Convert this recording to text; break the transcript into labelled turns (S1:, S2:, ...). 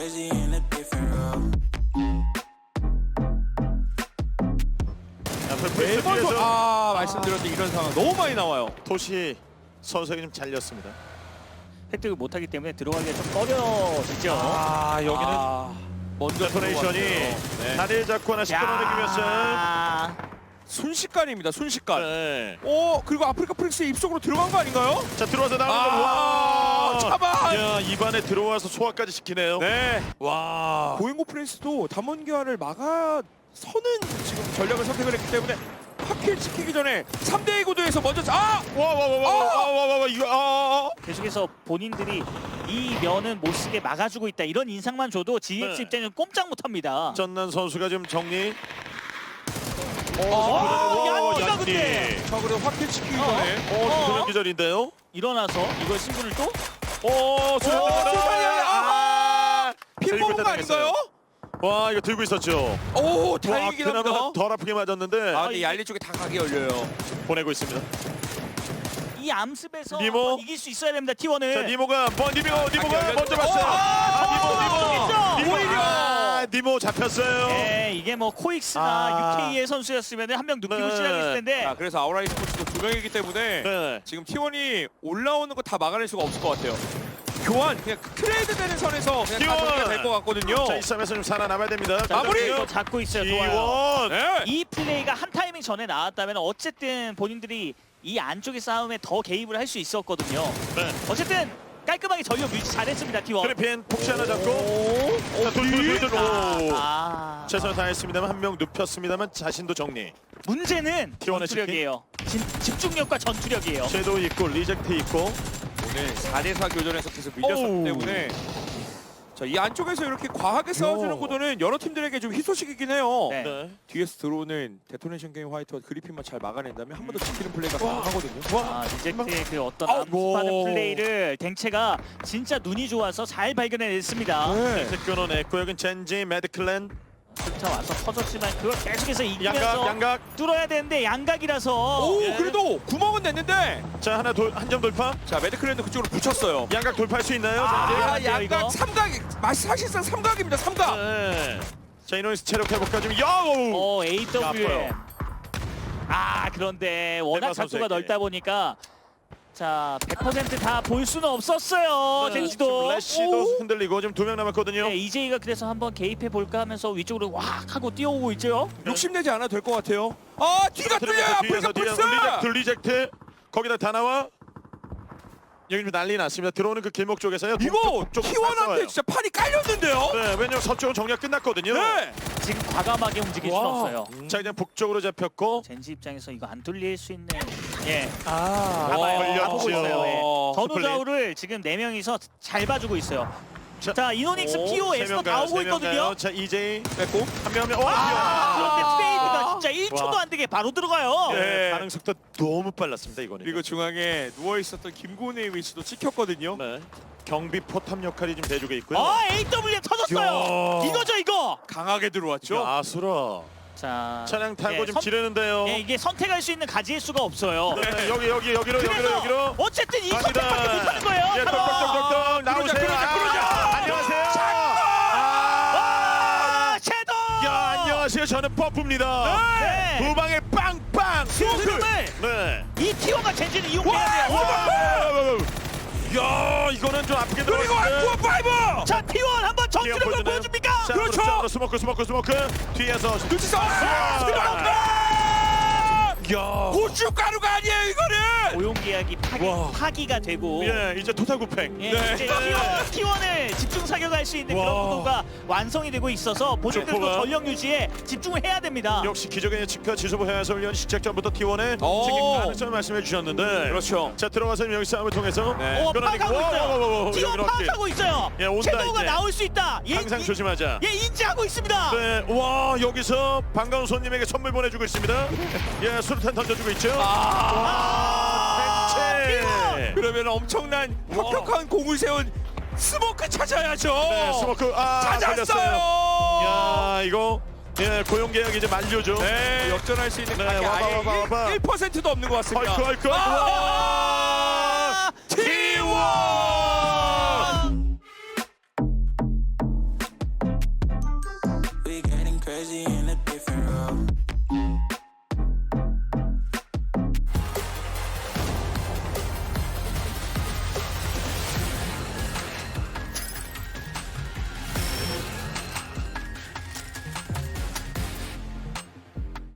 S1: crazy in a different role.
S2: 매번 말씀드렸던 이런 상황 너무 많이 나와요.
S3: 도시 선수에게 좀 잘렸습니다.
S4: 획득을 못하기 때문에 들어가기가 좀 꺼려지죠.
S3: 여기는
S2: 먼저
S3: 데토네이션이
S2: 네.
S3: 다리를 잡고 하나씩 끌어내기 위해서
S4: 야,
S2: 순식간입니다. 순식간.
S3: 네.
S2: 그리고 아프리카 프릭스의 입속으로 들어간 거 아닌가요?
S3: 자 들어와서 나오는 거 와!
S2: 차반.
S3: 야 입안에 들어와서 소화까지 시키네요.
S2: 네.
S3: 와.
S2: 고행고 프린스도 담원교환을 막아서는 지금 전략을 선택을 했기 때문에 확킬 지키기 전에 3대2 구도에서 먼저
S3: 와와와와와와와 이거
S4: 계속해서 본인들이 이 면은 못 쓰게 막아주고 있다 이런 인상만 줘도 GX
S3: 네.
S4: 입장에서 꼼짝 못합니다.
S3: 전난 선수가 좀 정리.
S4: 얀디가 근데
S2: 자 그래도 확킬 지키기 전에
S3: 조명 기절인데요.
S4: 일어나서 이걸 신분을 또
S3: 수류탄
S2: 핀 먹은 거 아닌가요?
S3: 와 이거 들고 있었죠.
S2: 오
S3: 와
S2: 다행이긴
S3: 그나마
S2: 합니다.
S3: 덜 아프게 맞았는데
S2: 아 근데 얄리 쪽에 다 각이 열려요.
S3: 보내고 있습니다.
S4: 이 암습에서
S3: 니모.
S4: 한번 이길 수 있어야 됩니다. T1을.
S3: 자 니모가 니모가 먼저
S2: 오,
S3: 봤어요. 니모
S4: 오히려.
S3: 니모 잡혔어요.
S4: 네, 이게 뭐 코익스나 UK의 선수였으면 한 명 눕히고
S3: 네.
S4: 시작했을 텐데
S2: 자 그래서 아우라이 스포츠도 두 명이기 때문에
S3: 네.
S2: 지금 T1이 올라오는 거 다 막아낼 수가 없을 것 같아요. 교환 그냥 트레이드 되는 선에서 그냥 다
S3: T1.
S2: 정리가 될 것 같거든요.
S3: 자 이 싸움에서 좀 살아남아야 됩니다.
S2: 마무리!
S4: 이거 잡고 있어요. 좋아요.
S3: T1.
S2: 네.
S4: 이 플레이가 한 타이밍 전에 나왔다면 어쨌든 본인들이 이 안쪽의 싸움에 더 개입을 할 수 있었거든요.
S3: 네.
S4: 어쨌든 깔끔하게 전력 유지 잘했습니다. T1.
S3: 그래핀 폭시 하나 잡고
S4: 오.
S3: 자 돌돌돌돌
S4: 아.
S3: 최선을 다했습니다만 한 명 눕혔습니다만 자신도 정리.
S4: 문제는
S3: T1의
S4: 전투력이에요. 집중력과 전투력이에요.
S3: 섀도우 있고 리젝트 있고
S2: 오늘 4대4 교전에서 계속 밀렸었기
S3: 오우.
S2: 때문에 자, 이 안쪽에서 이렇게 과하게 싸워주는 구도는 여러 팀들에게 좀 희소식이긴 해요.
S4: 네.
S3: 네.
S2: 뒤에서 들어오는 데토네이션 게임 화이트와 그리핀만 잘 막아낸다면 한 번 더 지키는 플레이가 가능하거든요.
S4: 아, 리젝트의 그 어떤
S2: 아우,
S4: 암습하는
S2: 오.
S4: 플레이를 댕체가 진짜 눈이 좋아서 잘 발견해냈습니다.
S2: 네.
S3: 색 끊어냈고 여긴 젠지 매드클랜
S4: 쫓아와서 터졌지만 그걸 계속해서 이기면서
S3: 양각
S4: 뚫어야 되는데 양각이라서
S2: 오
S3: 예.
S2: 그래도 구멍은 냈는데
S3: 자 하나 한 점 돌파
S2: 자 매드클랜도 그쪽으로 붙였어요.
S3: 양각 돌파할 수 있나요?
S4: 아,
S3: 젠지?
S4: 야, 이거?
S2: 양각 삼각 사실상 삼각입니다. 삼각.
S3: 네. 자 이노닉스 체력 회복까 좀 야오
S4: AWM.
S3: 아파요.
S4: 아 그런데 워낙
S3: 대박
S4: 각도가
S3: 선수에게.
S4: 넓다 보니까 자 100% 다 볼 수는 없었어요.
S3: 네,
S4: 젠지도.
S3: 지금 래시도 흔들리고 지금 2명 남았거든요.
S4: 네, EJ가 그래서 한번 개입해 볼까 하면서 위쪽으로 확 하고 뛰어오고 있죠.
S2: 욕심내지 않아도 될 것 같아요. 아 뒤가 뚫려요. 아프리카 프린스.
S3: 리젝트 거기다 다 나와 여기 좀 난리 났습니다. 들어오는 그 길목 쪽에서요.
S2: 이거
S3: 쪽
S2: T1한테 진짜 판이 깔렸는데요.
S3: 네, 왜냐면 서쪽은 정리가 끝났거든요.
S2: 네.
S4: 지금 과감하게 움직일 수는
S2: 와.
S4: 없어요.
S3: 자 그냥 북쪽으로 잡혔고
S4: 젠지 입장에서 이거 안 뚫릴 수 있는 예
S3: 와,
S4: 다 보고 있어요. 예.
S2: 어,
S4: 전우좌우를 지금 4명이서 잘 봐주고 있어요.
S3: 자,
S4: 자 이노닉스, PO,
S3: 세
S4: 에스터
S3: 명
S4: 다
S3: 가요,
S4: 오고
S3: 세명
S4: 있거든요.
S3: 가요. 자 EJ
S2: 뺐고.
S3: 한명
S4: 그런데 트레이드가 진짜 1초도
S3: 와.
S4: 안 되게 바로 들어가요.
S2: 네.
S3: 반응 속도 너무 빨랐습니다 이거는.
S2: 그리고 중앙에 누워 있었던 김고은의 위치도 찍혔거든요.
S3: 네. 경비 포탑 역할이 좀 대주고 있고요.
S4: AWM 터졌어요.
S3: 야.
S4: 이거죠 이거.
S2: 강하게 들어왔죠.
S3: 아수라
S4: 자
S3: 차량 타고
S4: 예,
S3: 좀 지르는데요.
S4: 이게 선택할 수 있는 가지의 수가 없어요.
S3: 네, 여기로
S4: 그래서 어쨌든 이 선택밖에 못하는 거예요.
S3: 예, 똑똑똑똑 나오세요.
S2: 그러자.
S3: 안녕하세요.
S4: 섀도우.
S3: 야 안녕하세요. 저는 퍼프입니다.
S4: 네.
S3: 두 방에 빵빵.
S4: 그 흐름을
S3: 네.
S4: 이 T1과 젠지는 이용해야 돼요.
S3: 야 이거는 좀 아프게
S2: 그리고
S3: 들어갔는데.
S2: 아쿠아 파이브.
S4: 자 T1 한번 전투력을 보여줍니까?
S2: 그렇죠.
S3: 스모크 뒤에서
S2: 눈치서.
S3: 야.
S2: 고춧가루가 아니에요 이거는.
S4: 고용 계약이
S3: 와.
S4: 파기가 되고
S3: 예 이제 토탈 구팽.
S4: 예,
S2: 네.
S4: 이제 T1을 집중 사격할 수 있는
S3: 와.
S4: 그런 구도가 완성이 되고 있어서 본인들도
S3: 점퍼가.
S4: 전력 유지에 집중을 해야 됩니다.
S3: 역시 기적의 예측과 지소부 해설위원 시작전부터 T1의
S2: 오.
S3: 지금 가능성을 말씀해 주셨는데
S2: 그렇죠.
S3: 자 들어가서 여기 싸움을 통해서
S4: 파악하고 있어요. T1
S3: 여기
S4: 파악하고 있어요.
S3: 예, 온다,
S4: 섀도우가
S3: 이제.
S4: 나올 수 있다.
S3: 항상 조심하자.
S4: 예, 인지하고 있습니다.
S3: 네, 와 여기서 반가운 손님에게 선물 보내주고 있습니다. 예, 수류탄 던져주고 있죠. 대체.
S2: 그러면 엄청난 혁혁한 공을 세운 스모크 찾아야죠.
S3: 네, 스모크
S2: 찾았어요.
S3: 걸렸어요. 야 이거 예 고용 계약 이제 만료죠.
S2: 네, 역전할 수 있는
S3: 네,
S2: 각이
S3: 와봐,
S2: 아예
S3: 와봐, 와봐.
S2: 1%도 없는 것 같습니다.
S3: 헐크.
S2: 아!